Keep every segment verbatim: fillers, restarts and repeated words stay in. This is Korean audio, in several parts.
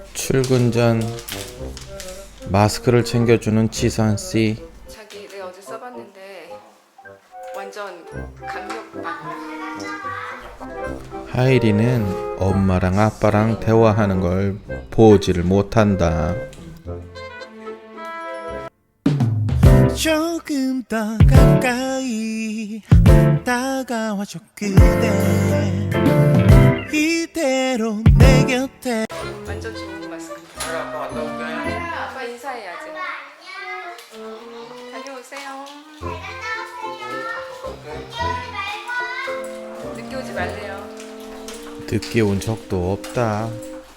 출근 전 마스크를 챙겨주는 지선씨. 자기 내가 어제 써봤는데 완전 강력박. 하일이는 엄마랑 아빠랑 대화하는 걸 보지를 못한다. 조금 더 가까이 다가와줘 그대, 이대로 내 곁에. 완전 좋은 마스크. 아빠 갔다 올게. 아빠 인사해야지. 다녀오세요. 늦게 오지 말래요. 늦게 온 적도 없다.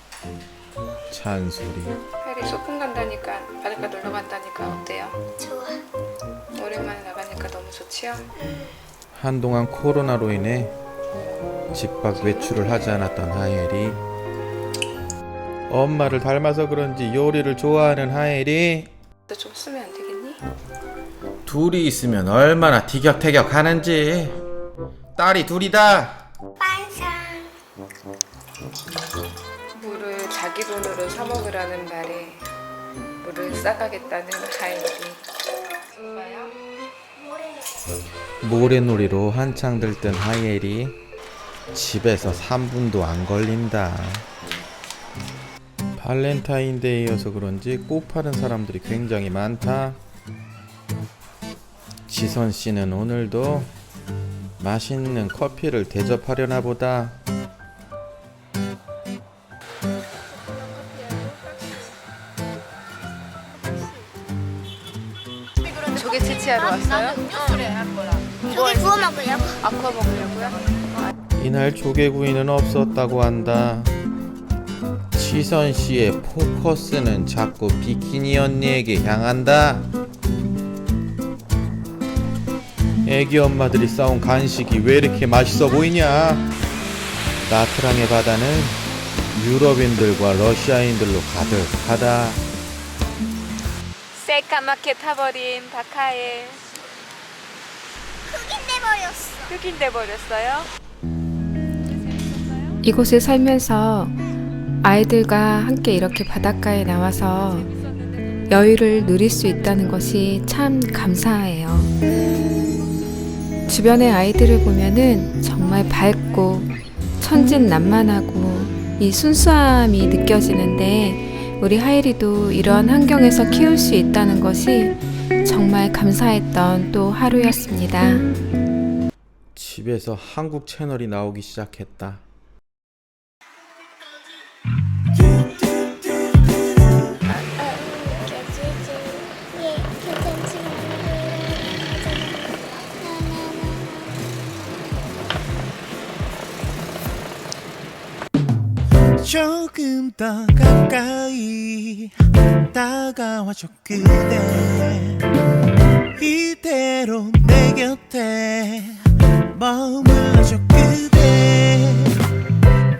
찬소리. 하일이 소풍 간다니까, 바닷가 놀러 간다니까 어때요? 좋아. 오랜만에 나가니까 너무 좋지요? 한동안 코로나로 인해 집 밖 외출을 하지 않았던 하엘이 엄마를 닮아서 그런지 요리를 좋아하는 하엘이 너 좀 쓰면 안 되겠니? 둘이 있으면 얼마나 티격태격 하는지. 딸이 둘이다. 반상. 물을 자기 돈으로 사 먹으라는 말에 물을 싸가겠다는 하일이. 엄마요? 모래놀이로 한창 들뜬 하엘이 집에서 삼 분도 안 걸린다. 발렌타인데이여서 그런지 꽃 파는 사람들이 굉장히 많다. 지선씨는 오늘도 맛있는 커피를 대접하려나 보다. 조개 채취하러 왔어요? 조개 구워 먹으려고. 아, 구워 먹으려고요? 이날 조개구이는 없었다고 한다. 지선씨의 포커스는 자꾸 비키니 언니에게 향한다. 애기 엄마들이 싸운 간식이 왜 이렇게 맛있어 보이냐. 나트랑의 바다는 유럽인들과 러시아인들로 가득하다. 새까맣게 타버린 박하엘. 흑인 돼버렸어. 흑인 돼버렸어요? 이곳에 살면서 아이들과 함께 이렇게 바닷가에 나와서 여유를 누릴 수 있다는 것이 참 감사해요. 주변의 아이들을 보면은 정말 밝고 천진난만하고 이 순수함이 느껴지는데, 우리 하일이도 이런 환경에서 키울 수 있다는 것이 정말 감사했던 또 하루였습니다. 집에서 한국 채널이 나오기 시작했다. 예, 괜찮지. 조금 더 가까이 다가와줘 그대,